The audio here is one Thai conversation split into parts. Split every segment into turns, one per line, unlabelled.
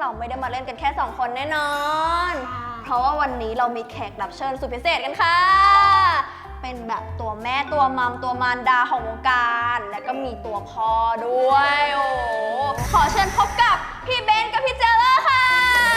เราไม่ได้มาเล่นกันแค่2คนแน่นอนเพราะว่าวันนี้เรามีแขกรับเชิญสุดพิเศษกันค่ะเป็นแบบตัวแม่ตัวมัมตัวมารดาของวงการและก็มีตัวพ่อด้วยโอ้ขอเชิญพบกับพี่เบนกับพี่เจเลอร์ค่ะ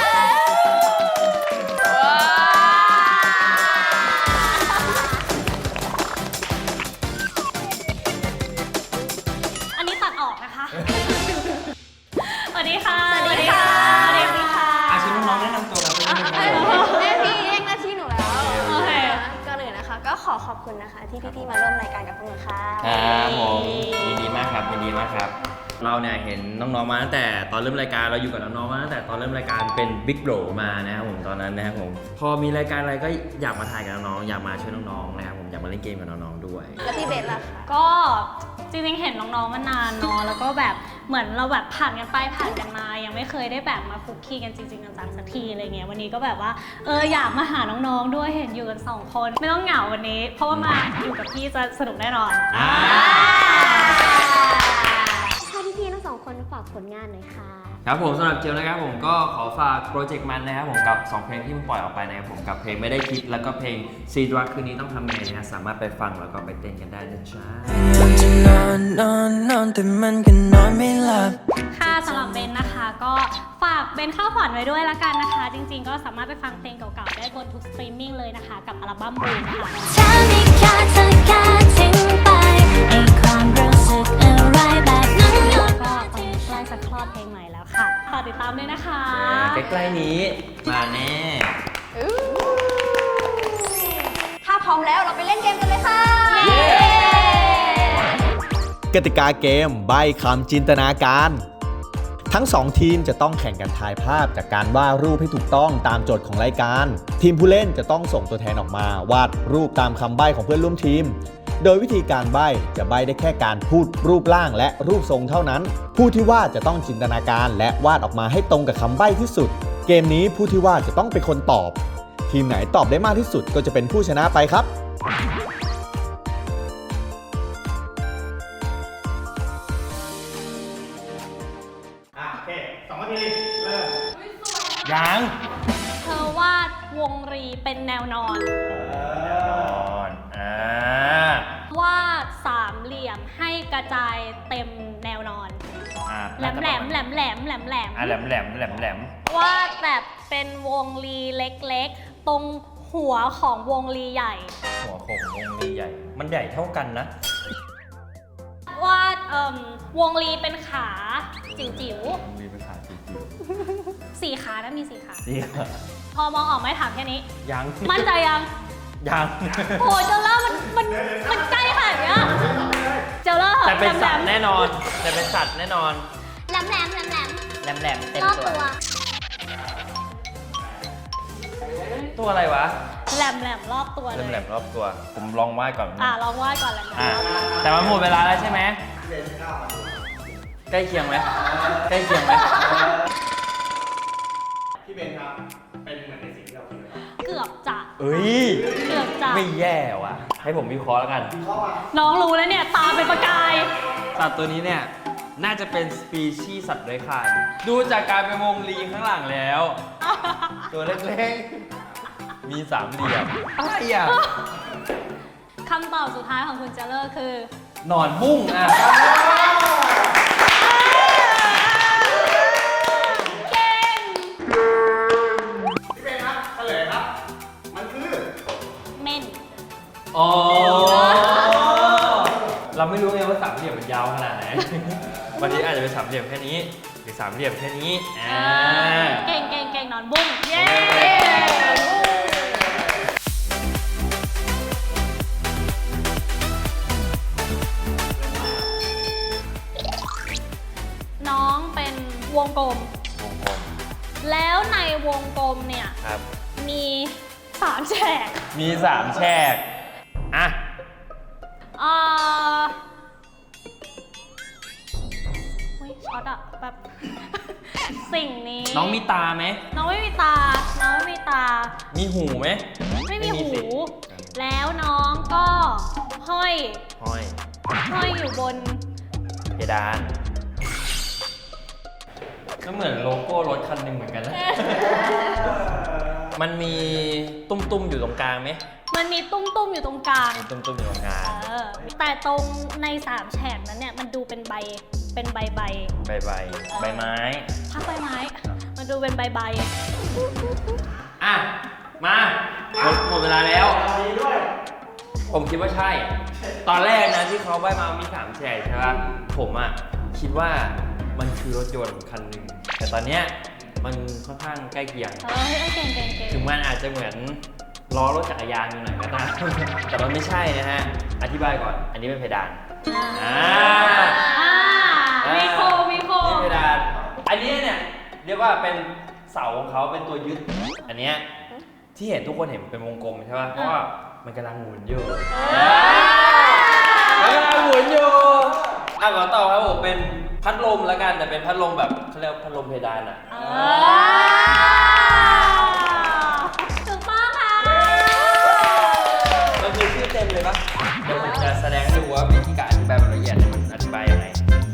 อันนี้ตัดออกนะคะ สวัสดีค่ะ
สวัสดีค่ะ
สวัสดีค่ะ
อาชีพน้องๆแนะนำตัวกันเป็นยังไง
แม่พี่เรียกหน้าที่หนูแล้ว
โอเค
ก่อนอื่นนะคะก็ขอบคุณนะคะที่พี่ๆมาร่วมรายการกับพวกหนูค่ะ
ครับผมยินดีมากครับยินดีมากครับ เราเนี่ยเห็นน้องๆมาตั้งแต่ตอนเริ่มรายการเราอยู่กับน้องๆมาตั้งแต่ตอนเริ่มรายการเป็นบิ๊กโบรมานะครับผมตอนนั้นนะครับผมพอมีรายการอะไรก็อยากมาถ่ายกับน้องๆอยากมาช่วยน้องๆนะครับผมอยากมาเล่นเกมกับน้องๆด้วย
แล้วพี่เบนล่ะคะ
ก็จริงๆเห็นน้องๆมานานเนาะแล้วก็แบบเหมือนเราแบบผ่านกันไปผ่านกันมายังไม่เคยได้แบบมาคุกคีกันจริงๆจังๆสักทีอะไรเงี้ยวันนี้ก็แบบว่าอยากมาหาน้องๆด้วยเห็นอยู่กัน2คนไม่ต้องเหงาวันนี้ เพราะว่ามาอยู่กับพี่จะสนุกแน่นอน
ให้พี่ๆทั้ง2คนฝากผลงานหน่อยค่ะ
ครับผมสำหรับเจลนะครับผมก็ขอฝากโปรเจกต์มันนะครับผมกับ2เพลงที่มันปล่อยออกไปนะครับผมกับเพลงไม่ได้คิดแล้วก็เพลงซีดรักคืนนี้ต้องทำไงนะฮะสามารถไปฟังแล้วก็ไปเต้นกันได้นะจ๊ะ
จะนอนแต่มันก็นอนไม่หลับ
ค่ะสำหรับเบนนะคะก็ฝากเบนข้าวผ่อนไว้ด้วยละกันนะคะ จริงๆก็สามารถไปฟังเพลงเก่าๆได้บนทุกสตรีมมิ่งเลยนะคะกับอัลบั้มบูมค่ะ
ถ้าไม่ค่าเธอค่าทิ้งไปไอ้ความรู้สึกอะไรแบบนั้นโยน
ก็ตอนนี้ใกล้จะคลอดเพลงใหม่แล้วค่ะฝากติดตามด้วยนะคะ
ใกล้ๆนี้มาแน่
ถ้าพร้อมแล้วเราไปเล่นเกมกันเลยค่ะ
กติกาเกมใบ้คำจินตนาการ ทั้ง 2 ทีมจะต้องแข่งกันทายภาพจากการวาดรูปให้ถูกต้องตามโจทย์ของรายการ ทีมผู้เล่นจะต้องส่งตัวแทนออกมาวาดรูปตามคำใบ้ของเพื่อนร่วมทีม โดยวิธีการใบ้จะใบ้ได้แค่การพูดรูปร่างและรูปทรงเท่านั้น ผู้ที่วาดจะต้องจินตนาการและวาดออกมาให้ตรงกับคำใบ้ที่สุด เกมนี้ผู้ที่วาดจะต้องเป็นคนตอบ ทีมไหนตอบได้มากที่สุดก็จะเป็นผู้ชนะไปครับ
โอเค2 นาที เริ่มยัง
เธอวาดวงรีเป็นแนวนอน วาดสามเหลี่ยมให้กระจายเต็มแนวนอน แหลมแหลมแหลมแหลมแหลมแหลม
แหลมแหลมแหลมแหลม
วาดแบบเป็นวงรีเล็กๆ ตรงหัวของวงรีใหญ่
หัวของวงลีใหญ่ มันใหญ่เท่ากันนะ
วาดวงรีเป็นขาจิ๋ว
มีภาษาจีน
ๆ4 ขานะมี4 ขา
เสีย
พอมองออกไหมถามแค่นี้
ยัง
มั่นใจยัง
ยัง
โอ้ยเจลเลอร์มันใกล้ขนาดเนี้ยเจลเลอร์
แต่เป็นสัตว์
แหล
แน่
ม
นอน แต่เป็นสัตว์แน่นอน
แหลมแหลมแหลมแหลม
แหลมแหลมเต็ม
รอบ
ตัว
ตัว
ตัวอะไรวะ
แหลมแหลมรอบตัวเล
แหลม
ย
แหลมรอบตัว ผมลองวาดก่อน
ลองวาดก่อนแหลมแหลมรอบตัว
แต่มันหมดเวลาแล้วใช่ไหมใกล้เคียงไหมใกล้เคียงไหม
พี่เบนครับ เป็นเหมือนในสิ่งที่เราคิด
เกือบจะ
เอ้ย
เกือบจะ
ไม่แย่ว่ะ ให้ผมวิเคราะห์แล้วกัน
น้องรู้แล้วเนี่ย ตาเป็นประกาย
สัตว์ตัวนี้เนี่ย น่าจะเป็นสปีชีส์สัตว์เลื้อยคลานดูจากการเป็นวงลีข้างหลังแล้ว ตัวเล็กๆ มีสามเหลี่ยมอะไรอ่ะ
คำตอบสุดท้ายของคุณเจเลอร์คือ
หนอนบุ้งอ่ะ
เก่ง
พี่เบนครับเฉลยครับ มันคือ
เม่น
อ๋อ เราไม่รู้ไงว่าสามเหลี่ยมมันยาวขนาดไหน วันนี้อาจจะเป็นสามเหลี่ยมแค่นี้ หรือสามเหลี่ยมแค่นี้
เก่งเก่งเก่งนอนบุ้ง เย้ น้องเป็นวงกลม
วงกลม
แล้วในวงกลมเนี่ย
ครับ
มี3 แฉก
มี3 แฉก อ่ะ
เฮ้ยช็อตอะแบบ สิ่งนี้
น้องมีตาไหม
น้องไม่มีตา น้องไม่มีตา
มีหูไหม
ไม่มี
ไม่มี
หู
สิ
แล้วน้องก็ห้อย
ห้อย
ห้อยอยู่บน
เพดานก็เหมือนโลโก้รถคันหนึ่งเหมือนกันนะ มันมีตุ้มๆอยู่ตรงกลางไหม
มันมีตุ้มๆอยู่ตรงกลาง
มีตุ้มๆอยู่ตรงกลาง
แต่ตรงใน3แฉกนั้นเนี่ยมันดูเป็นใบ
ใบไม้
พักใบไม้ มันดูเป็นใบ
อ่ะ มาหมดเวลาแล้ว ผมคิดว่าใช่ ตอนแรกนะที่เขาใบมามี3แฉกใช่ปะผมอ่ะคิดว่ามันคือรถยนต์คันหนึ่งแต่ตอนเนี้ยมันค่อนข้างใกล้เคียง
เก่ง
ถึงมันอาจจะเหมือนล้อรถจักรยานอยู่หน่อยก็ได้ แต่มันไม่ใช่นะฮะ อธิบายก่อน อันนี้เป็นเพดาน
มีโค
นี่เพดาน อันนี้เนี่ยเรียกว่าเป็นเสาของเขาเป็นตัวยึด อันเนี้ยที่เห็นทุกคนเห็นเป็นวงกลมใช่ป่ะ เพราะว่ามันกำลังหมุนอยู่ขอต่อครับผมเป็นพัดลมแล้วกันแต่เป็นพัดลมแบบเขาเรียกพัดลมเพดานอ่ะ
ถูกต้องค่ะ
มันคือชื่อเต็มเลยปะเดี๋ยวผมจะแสดงให้ดูว่าวิธีการอธิบายแบบละเอียดเนี่ยมันอธิบายยังไง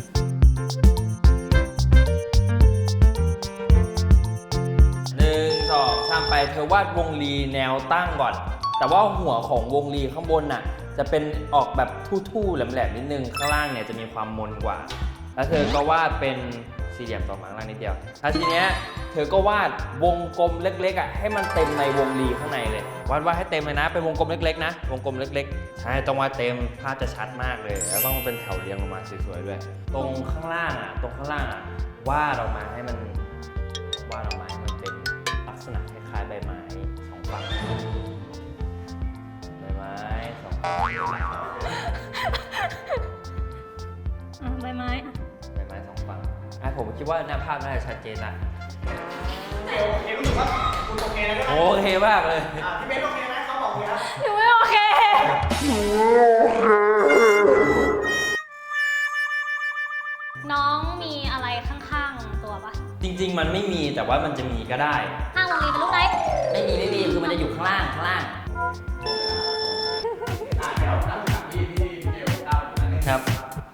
1 2 3 ไปเธอวาดวงรีแนวตั้งก่อน แต่ว่าหัวของวงรีข้างบนน่ะจะเป็นออกแบบทู่ๆแหลมๆนิดนึงข้างล่างเนี่ยจะมีความมนกว่าแล้วเธอก็วาดเป็นสี่เหลี่ยมต่อมาข้างล่างนิดเดียวแล้วทีเนี้ยเธอก็วาดวงกลมเล็กๆอ่ะให้มันเต็มในวงรีข้างในเลยวาดให้เต็มเลยนะเป็นวงกลมเล็กๆนะวงกลมเล็กๆใช่ต้องวาดเต็มภาพจะชัดมากเลยแล้วต้องเป็นแถวเรียงลงมาสวยๆด้วยตรงข้างล่างอ่ะวาดออกมาให้มันเป็นลักษณะคล้ายๆใบไม้สองฝั่งใบไม้สองฝั่ง
ใบไม้
สองฝั่งผมคิดว่าหน้าภาพน่าจะชัดเจนละโอเครู้สึกว่าคุณโอเคแล้วใช่ไหมโอเคมากเลยพี่เบนโอเคไหมเขาบอกเลยนะ
หนูไม่โอเค น้องมีอะไรข้างๆตัวปะ
จริงๆมันไม่มีแต่ว่ามันจะมีก็ได้
ข้างวงรีเป็นรูปไหน
ไม่มีคือมันจะอยู่ข้างล่างครับ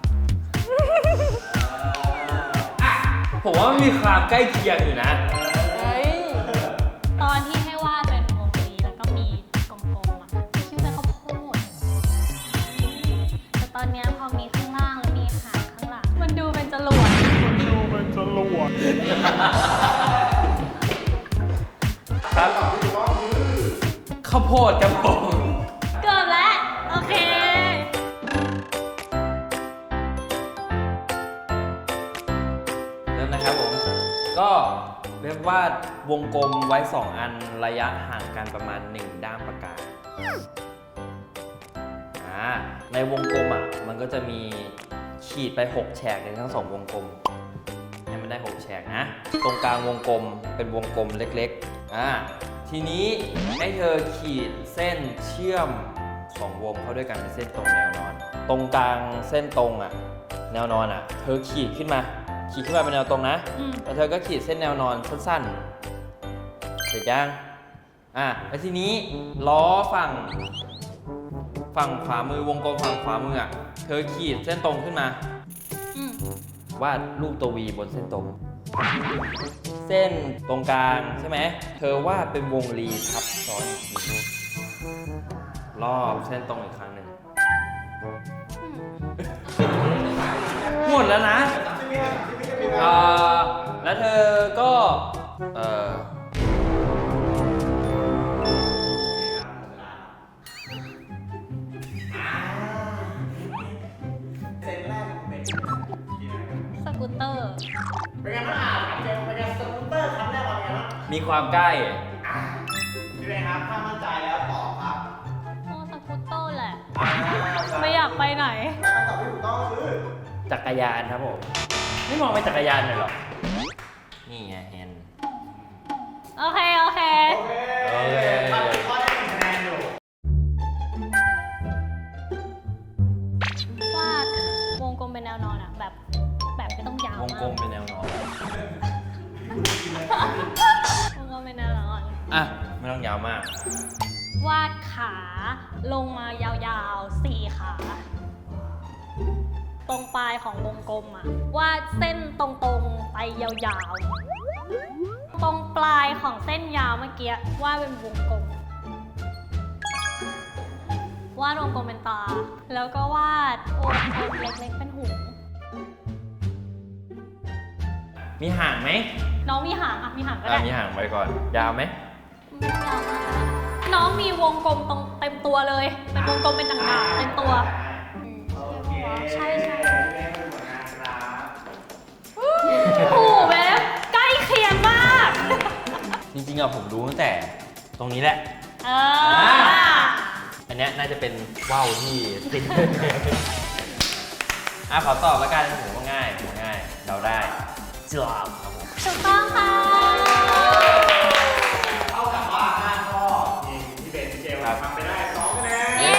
ผมว่ามันมีความใกล้เคียงอยู่นะ
ตอนที่ให้วาดเป็นวงรีแล้วก็มีกลมๆอ่ะคิดว่าเป็นข้าวโพดแต่ตอนเนี้ยพอมีข้างล่างแล้วมีหางข้างหลังมันดูเป็นจรวด
ครับข้าวโพดครับผม
เกือบแล้วโอเค
เริ่มนะครับผมก็เรียกว่าวงกลมไว้ 2 อันระยะห่างกันประมาณ1ด้ามปากกาในวงกลมอ่ะมันก็จะมีขีดไป6แฉกในทั้ง2วงกลมให้มันได้6แฉกนะตรงกลางวงกลมเป็นวงกลมเล็กๆทีนี้ให้เธอขีดเส้นเชื่อม2วงเข้าด้วยกันเป็นเส้นตรงแนวนอนตรงกลางเส้นตรงอ่ะแนวนอนอ่ะเธอขีดขึ้นมาเป็นแนวตรงนะแล้วเธอก็ขีดเส้นแนวนอนสั้นๆเสร็จยังแล้วทีนี้ล้อฝั่งขวามือวงกลมฝั่งขวามืออ่ะเธอขีดเส้นตรงขึ้นมาวาดรูปตัววีบนเส้นตรงเส้นตรงกลางใช่ไหมเธอวาดเป็นวงรีทับซ้อนอีกทีรอบเส้นตรงอีกครั้งหนึ่งหมดแล้วนะแล้วเธอก็
สกูตเตอร์
เป็นไงบ้างเป็นไงสกูตเตอร์ครั้งแรกเป็นไงบ้าง
มีความใกล้
พี่เบนครับถ้ามั่นใจแล้วตอบครับ
โอ้สกูตเตอร์แหละ ไม่อยากไปไหน
คำตอบที่ถูกต้องคือ
จักรยานครับผมไม่มองเป็นจักรยานเลยหรอนี่ไงเห็น
โอเค
ทำข้อได้1คะแนนอยู่
วาดวงกลมเป็นแนวนอนอ่ะแบบไม่ต้องยาว
วงกลมเป็นแนวนอน
วงกลมเป็นแนวนอน
ไม่ต้องยาวมาก
วาดขาลงมายาวๆ4 ขาตรงปลายของวงกลมอะวาดเส้นตรงๆไปยาวๆ ตรงปลายของเส้นยาวเมื่อกี้วาดเป็นวงกลม วาดวงกลมเป็นตา แล้วก็วาดวงกลมเล็กๆเป็นหู
มีห่างไหม
น้องมีหางอะมีหางก็ได้
มีห่างไปก่อน ยาวไหม
ไม่ยาวมากนะน้องมีวงกลมตรงเต็มตัวเลย เป็นวงกลมเป็นต่างๆเต็มตัวใช่ใช่โอ้โหเว็บใกล้เคียงมาก
จริงๆอะผมรู้ตั้งแต่ตรงนี้แหละ อันเนี้ยน่าจะเป็นว่าวที่ติด ขอตอบแล้วกันผมว่าง่ายเราได้จอบครับผม
ถูกต้องค่ะ
เท่ากับว่า5ข้อทีมที่เป็นเจลทำไปได้2คะแนน
เย้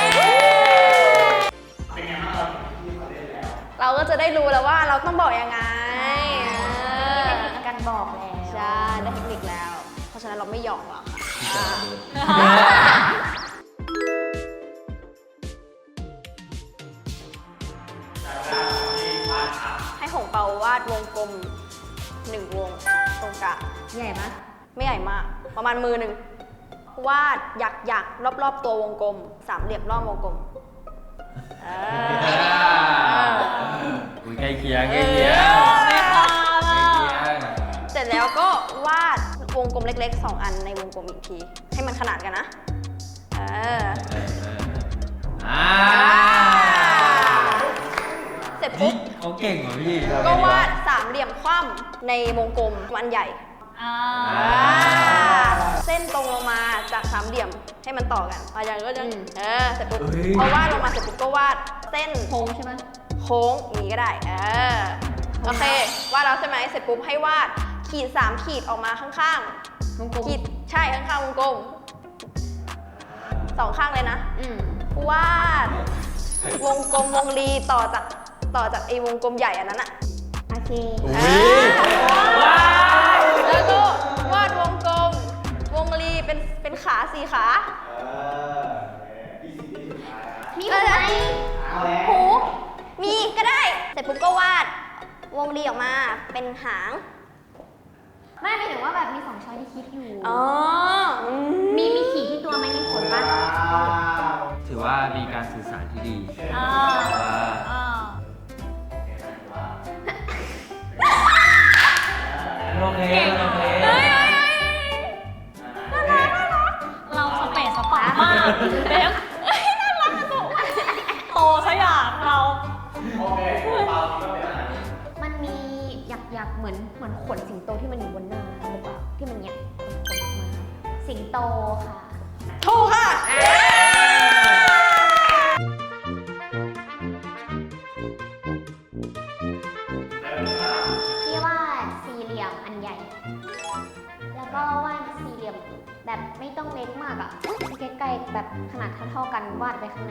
เป็นไงบ้างเราที่เขาเล่นแล้ว
เราก็จะได้รู้แล้วว่าเราต้องบอกยังไง
กันบอกแล้ว
ใช่ได้เทคนิคแล้ว เพราะฉะนั้นเราไม่หยอกหรอกค่ะให้หงเปาวาดวงกลม1 วงตรงกลาง
ใหญ่ไหม
ไม่ใหญ่มาก ประมาณมือหนึ่งวาดหยักรอบๆตัววงกลม3 เหลี่ยมรอบวงกลม
อุ้ยใกล้เคียงใกล้เคียง
ไม่พลาด
ใกล้
อะ
เคียง
เสร็จแล้วก็วาดวงกลมเล็กๆ2 อันในวงกลมอีกที ให้มันขนานกันนะเสร็จปุ๊บ
เขาเก่งเหรอพี่
ก็วาด3 เหลี่ยมคว่ำในวงกลมอันใหญ่ เส้นตรงลงมาจาก3 เหลี่ยมให้มันต่อกันอาจารย์ก็จะเสร็จปุ๊บพอวาดลงมาเสร็จปุ๊บก็วาดเส้น
โค้งใช่ไหม
โค้งอย่างนี้ก็ได้โอเควาดแล้วใช่ไหมเสร็จปุ๊บให้วาดขีด3 ขีดออกมาข้างๆ
วงกลม
ขีดใช่ข้างๆวงกลม2 ข้างเลยนะวาดวงกลมวงรีต่อจากไอ้วงกลมใหญ่อันนั้นอะ
โอเค
แล้วก็วาดวงกลมวงรีเป็นขา4 ขา
มีไหม
หูมีก็ได้ เสร็จปุ๊บก็วาดวงรีออกมาเป็นหาง
ไม่หมายถึงว่าแบบมี2ช้อยที่คิดอยู่
มี
มีขีดที่ตัวไหมมีผลปะ
ถือว่ามีการสื่อสารที่ดี โอเค
เราสเปซสปามากเบ๊กน่ารักอะโตซะอย่างเรา
โอเคเปาคิดว่าเป็นอะไร
มันมีหยักๆเหมือนขนสิงโตที่มันอยู่บนหน้าหรือเปล่าที่มันเนี่ยขนออกมาสิงโตค่ะ
ถูกค่ะ
พี่วาด4 เหลี่ยมอันใหญ่ แล้วก็วาด4 เหลี่ยมแบบไม่ต้องเล็กมากอะใกล้ๆแบบขนาดเท่าๆกันวาดไปข้างใน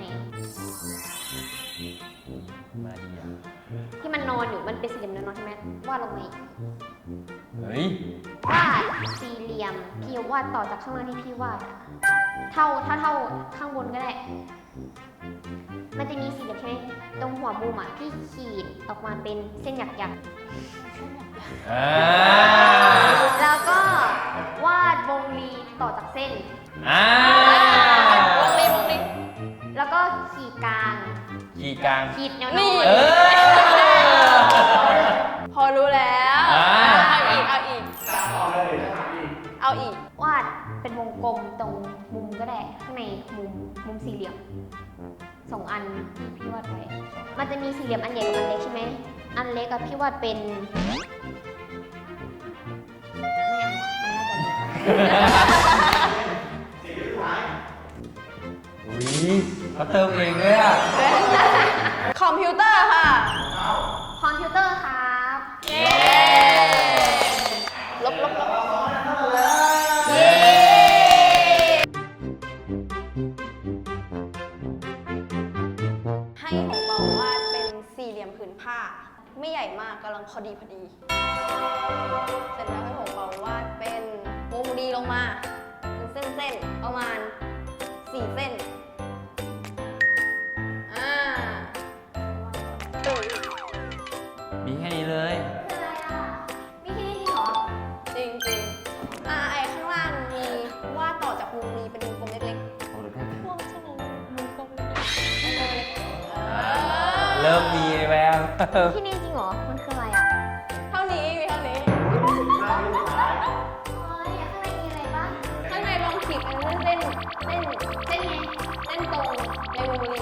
มาดีอ่ะ
ที่มันนอนอยู่มันเป็น4 เหลี่ยมนอนๆใช่ไหมวาดลงมาอีก
เฮ้ย
วาด4 เหลี่ยมพี่วาดต่อจากข้างล่างที่พี่วาดอะเท่าข้างบนก็ได้ มันจะมี4 เหลี่ยมใช่ไหมตรงหัวมุมอะพี่ขีดออกมาเป็นเส้นหยักๆ แล้วก็วาดวงรีต่อจากเส้น
วงรี
แล้วก็ขีดกลาง
ขีดกลาง
ขีดแนว
นี่
นอน
พอรู้แล้ว เอาอีก
ต่อเลยถ้าถามอีก
เอาอีก
วาดเป็นวงกลมตรงมุมก็ได้ ข้างในมุม4 เหลี่ยม2 อันที่พี่วาดไว้ มันจะมี4 เหลี่ยมอันใหญ่กับอันเล็กใช่ไหม อันเล็กกับพี่วาดเป็นไม่เอาอันน่าจะเล็ก
สิ่งที่สุดท้าย
อุ้ยเขาเติมเองเลยอ่ะ
คอมพิวเตอร์ค่ะ
คอมพิวเตอร์ครับ
เย้ลบ
เย้
ให้ของเปาวาดเป็น4 เหลี่ยมผืนผ้า ไม่ใหญ่มากกำลังพอดี เสร็จแล้วให้ของเปาวาดเป็นวงรีลงมาเป็นเส้นๆประมาณ4 เส้น
เริ่มมีแวว
ที่นี่จริงเหรอ มันคืออะไรอ่ะ
เท่านี้มีเท่านี้
โอ้ยข้างในมีอะไรบ้าง
ข้างในลองขีดเป็นเส้นไงเส้นตรงในวงรี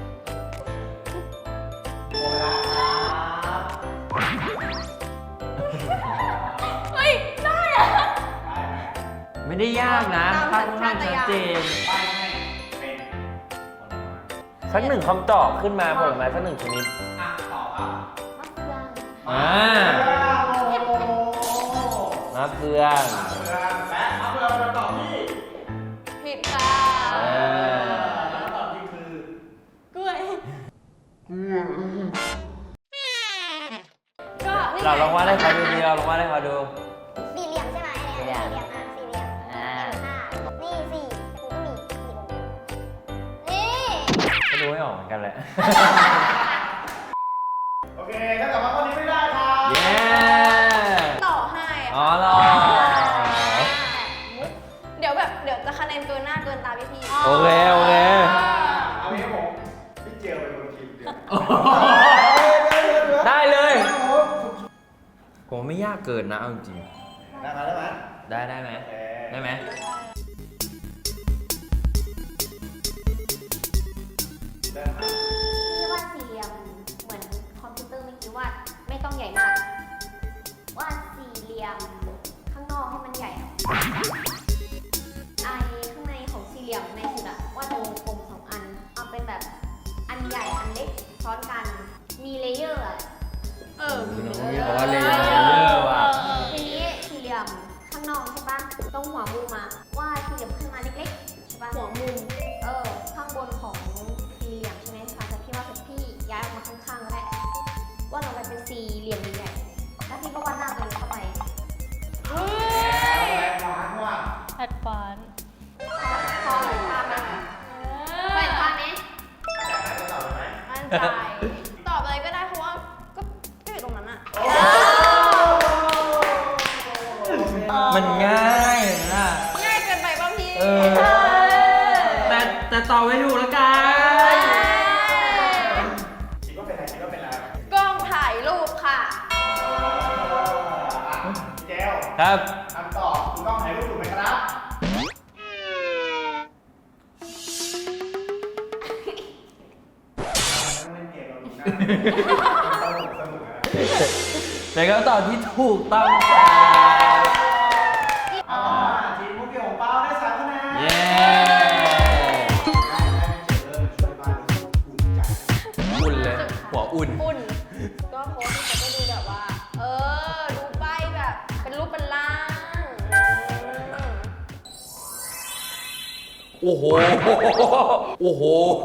เฮ้ย ได้อะ
ไม่ได้ยากนะ
ตาม
ค่อน
สั
ข้าง
ญชาต
ชัด
ญาณ
เจน
ป้ายให้เป็น
สักหนึ่งคำตอบขึ้นมาผลไม้สักหนึ่งชนิด
อ่ะตอบครับ
มะเฟือง
อ่า
โอ้โห
มะเฟือง
และมะเฟืองเป็นคำตอบที่
ผิดค่ะ
คำตอบจริงคือก
ล้วย ก็นี่ไง
เราลองวาดให้เขาดูดีเราลองวาดให้เขาดู
สี่เหลี่ยมใช่ไหม
สี่เหลี่ยม
สี่เหลี่ยมอ่ะสี่เหลี่ยมนี่สี่แต่กูก็มีสี่วงนี่
ก็ดูไม่ออกเหมือนกันแหละ
โอเคถ้าเกิดว่าข้อนี้ไม่ได้ครับ
เย้
ต่อให้
อ๋อเหรอ
เดี๋ยวจะคะแนนเกินหน้าเกินตาพี่ๆ
โอเคโอเค
เอางี้ผมพี่เจลเป็นคนคิดเดี๋ยว
ได้เลย ผมไม่ยากเกินนะเอาจริง
ได้ไหม
ๆได้ไหม
โอเค
ได้ไหม
เริ่มครับ
พี่วาดสี่เหลี่ยมเหมือนคอมพิวเตอร์เมื่อกี้วาดไม่ต้องใหญ่มากวาดสี่เหลี่ยมข้างนอกให้มันใหญ่อะไอข้างในของสี่เหลี่ยมในสุดอะวาดเป็นวงกลมสองอันเอาเป็นแบบอันใหญ่อันเล็กซ้อนกันมีเลเยอร์อะ
เออ
น้องพี่เขาว่าเลเยอร์ว่ะ
ทีนี้สี่เหลี่ยมข้างนอกใช่ปะตรงหัวมุมอะวาดสี่เหลี่ยมขึ้นมาเล็กๆใช่ปะหัวมุมข้างบนของสี่เหลี่ยมใช่ไหมคะแต่พี่ว่าเป็นพี่ย้ายออกมาข้างๆก็ได้วาดออกมาเป็นสี่เหลี่ยมใหญ่ๆแล้วพี่ก็วาดหน้าตัวเองเข้าไป
เฮ้ย
แรงหวานว่ะ
แอดวานซ์
พอเห็นภาพไหมพอเห็นภาพไหม
อยากได้คำตอบไหม
มั่นใจ ตอบอะไรก็ได้เพราะว่าก็อยู่ตรงนั้นอะ
มันง่ายนะ
ง่ายเกินไปป่ะพี่
เออ แต่ตอบไม่ถูกแล้วกัน
คิดว่าเป็นอะไรคิดว่าเป็นอะไร
กล้องถ่ายรูปค่ะ
พี่เจล
ครับ
คำตอบถูกต้องถ่ายรูปถูกไหมครับต้องเล่นเกมเราดูหน้าสนุกนะ
เป็นคำตอบที่ถูกต้องครับ
ทีมมุกเกี่ยวของเปาได้3คะแนน
เย้ อุ่นเลย หัวอุ่น
อุ่น ก็โพสต์ที่เขาก็ดูแบบว่า ดูใบแบบ เป็นรูปเป็นร่าง
โอ้โห โอ้โห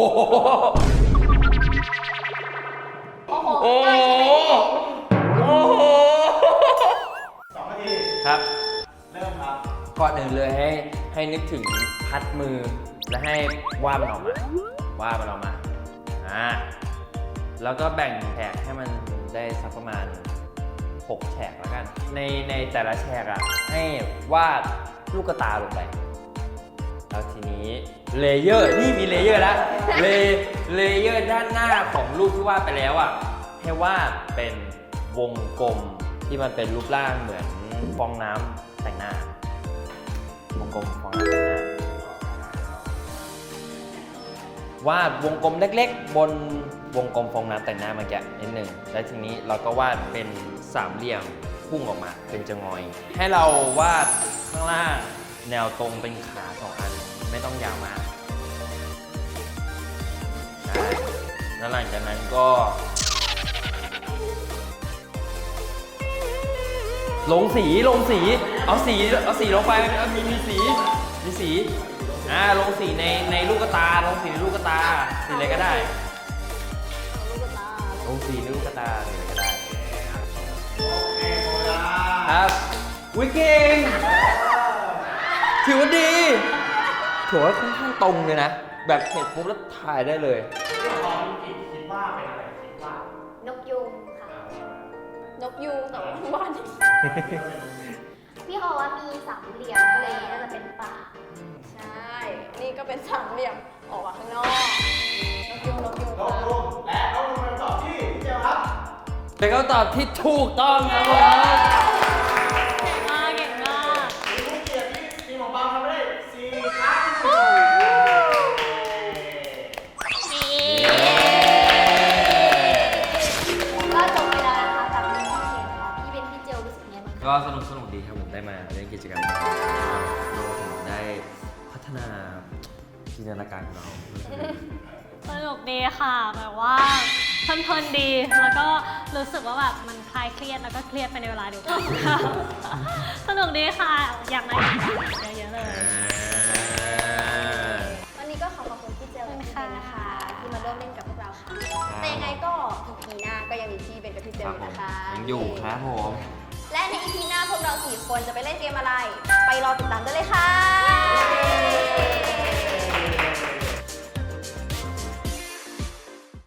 โอ้โห โอ้โห
2 นาที
ครับ
เริ่มครับ
ก่อนอื่นเลยให้นึกถึงพัดมือ และให้วาดมันออกมา วาดมันออกมา แล้วก็แบ่งแฉกให้มันได้สักประมาณ 6 แฉกแล้วกัน ในแต่ละแฉกอ่ะ ให้วาดลูกตาลงไป แล้วทีนี้เลเยอร์ นี่มีเลเยอร์แล้วเลเยอร์ด้านหน้าของรูปที่วาดไปแล้วอ่ะ ให้วาดเป็นวงกลมที่มันเป็นรูปร่างเหมือนฟองน้ำแต่งหน้า วงกลมฟองน้ำแต่งหน้าวาดวงกลมเล็กๆ บนวงกลมฟองน้ำแต่งหน้าเมื่อกี้นิดหนึ่งแล้วทีนี้เราก็วาดเป็นสามเหลี่ยมพุ่งออกมาเป็นจะงอย ให้เราวาดข้างล่างแนวตรงเป็นขา2 อันไม่ต้องยาวมากใช่แล้วหลังจากนั้นก็ ลงสีเอาสีลงไปมีสีลงสีในลูกตาลงสีในลูกตาสีอะไรก็ได้ ลงสีในลูกตาสีอะไรก็ได้
โอเคหมดเวลา
ครับวิเก่งถือว่าดีถือว่าค่อนข้างตรงเลยนะ แบบเห็นปุ๊บแล้วถ่ายได้เลย
คิดว่าเป็นอะไรคิดว่าน
กยุงค่ะ
นกยูงแต่ว่าบ้าน
พี่เขาว่ามีสามเหลี่ยมเลยน่าจะเป็นป่า
ใช่ นี่ก็เป็นสามเหลี่ยมออกมาข้างนอก นกยูง
นกรุ่งและนกรุ่งเป็นคำตอบที่
เป็นคำตอบที่ถูกต้องครับผม
เก่งมากเก่งมาก
มีผู้เกียรติที่ทีมของเราทำไปได้4 ครั้ง
ก็จบไปแล้วนะคะกับพี่เคนค่ะพี่เบนพี่เจลรู้สึกไงบ้างคะ
ก็สนุกดีครับผมได้มาเล่นกิจกรรมนี้รวมถึงได้พัฒนาจินตนาการของเรา
สนุกดีค่ะแบบว่าเพลินๆดีแล้วก็รู้สึกว่าแบบมันคลายเครียดแล้วก็เครียดไปในเวลาเดียวกันค่ะ สนุกดีค่ะอยากมาอีกเยอะๆเลย
วันนี้ก็ขอขอบคุณพี่เจลและพี่เบนนะคะ ที่มาร่วมเล่นกับพวกเราค่ะ แต่ยังไงก็ EP หน้าก็ยังมีพี่เบนกับพี่เจ
ค
ล
รับ
อยู่
ผม
นะคะ
ยังอยู่ครับผม
และใน EP หน้าพวกเรา4 คนจะไปเล่นเกมอะไร ไปรอติดตามได้เลยค่ะ